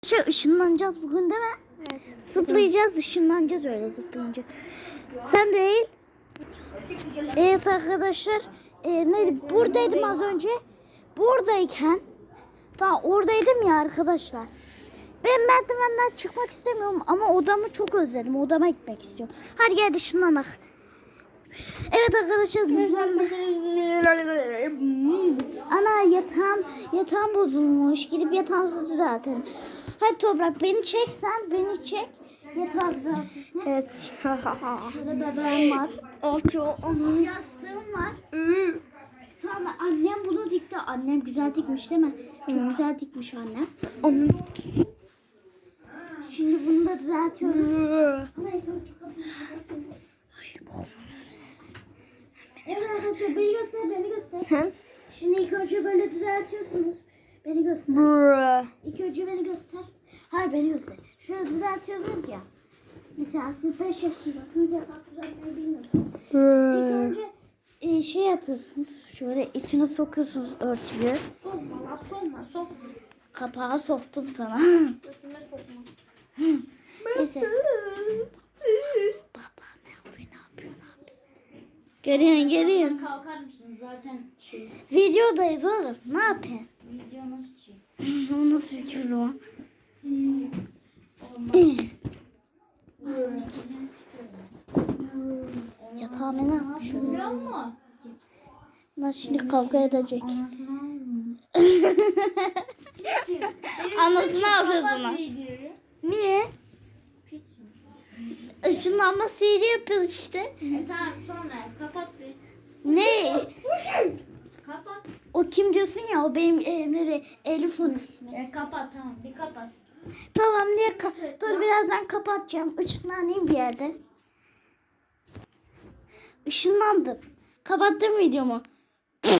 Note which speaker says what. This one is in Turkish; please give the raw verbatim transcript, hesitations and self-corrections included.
Speaker 1: Şey ışınlanacağız bugün değil mi?
Speaker 2: Evet.
Speaker 1: Zıplayacağız, ışınlanacağız öyle zıplayınca. Sen değil. Evet arkadaşlar. E, neydi? Buradaydım az önce. Buradayken. Tamam oradaydım ya arkadaşlar. Ben merdivenden çıkmak istemiyorum ama odamı çok özledim. Odama gitmek istiyorum. Hadi gel ışınlanak. Evet arkadaşlar. Ana yatağım, yatağım bozulmuş. Gidip yatağımızı düzeltelim. Hadi Toprak beni çek sen. Beni çek. Yatağı düzeltelim.
Speaker 2: Evet.
Speaker 1: Şurada bebeğim var.
Speaker 2: Onun
Speaker 1: Yastığım var. Tamam annem bunu dikti. Annem güzel dikmiş değil mi? Çok güzel dikmiş annem.
Speaker 2: onun
Speaker 1: Şimdi bunu da düzeltiyoruz. Evet arkadaşlar beni göster beni göster.
Speaker 2: hem
Speaker 1: Şimdi ilk önce böyle düzeltiyorsunuz. Beni göster. İlk önce beni göster. Hayır beni göster. Şöyle düzeltiyorsunuz ya. Mesela siz beş yaşındasınız yatak düzeltmeyi bilmiyorsunuz. İlk önce e, şey yapıyorsunuz. Şöyle içine sokuyorsunuz örtüyü.
Speaker 2: sokma la sokma sokma.
Speaker 1: Kapağı soktum sana.
Speaker 2: Götüme sokma.
Speaker 1: Neyse. Baba ne yapıyor ne yapıyor ne yapıyor. Görüyorsun görüyorsun.
Speaker 2: Kalkar mısın zaten şey.
Speaker 1: Videodayız oğlum. Ne yapıyorsun?
Speaker 2: Video nasıl şey?
Speaker 1: O nasıl bir küfür o? Yatağıma ne yapmış?
Speaker 2: Biliyor musun?
Speaker 1: Bunlar şimdi kavga edecek. Anasını avradına. Niye? Işınlanma sihri yapıyoruz işte.
Speaker 2: E tamam sonra kapat bir.
Speaker 1: Ne?
Speaker 2: Kapat.
Speaker 1: O kim diyorsun ya? O benim evimde Elif'in ismi.
Speaker 2: E kapat tamam bir kapat.
Speaker 1: Tamam diye ka- dur birazdan kapatacağım. Işınlanayım bir yerde. Işınlandım. Kapattım videomu.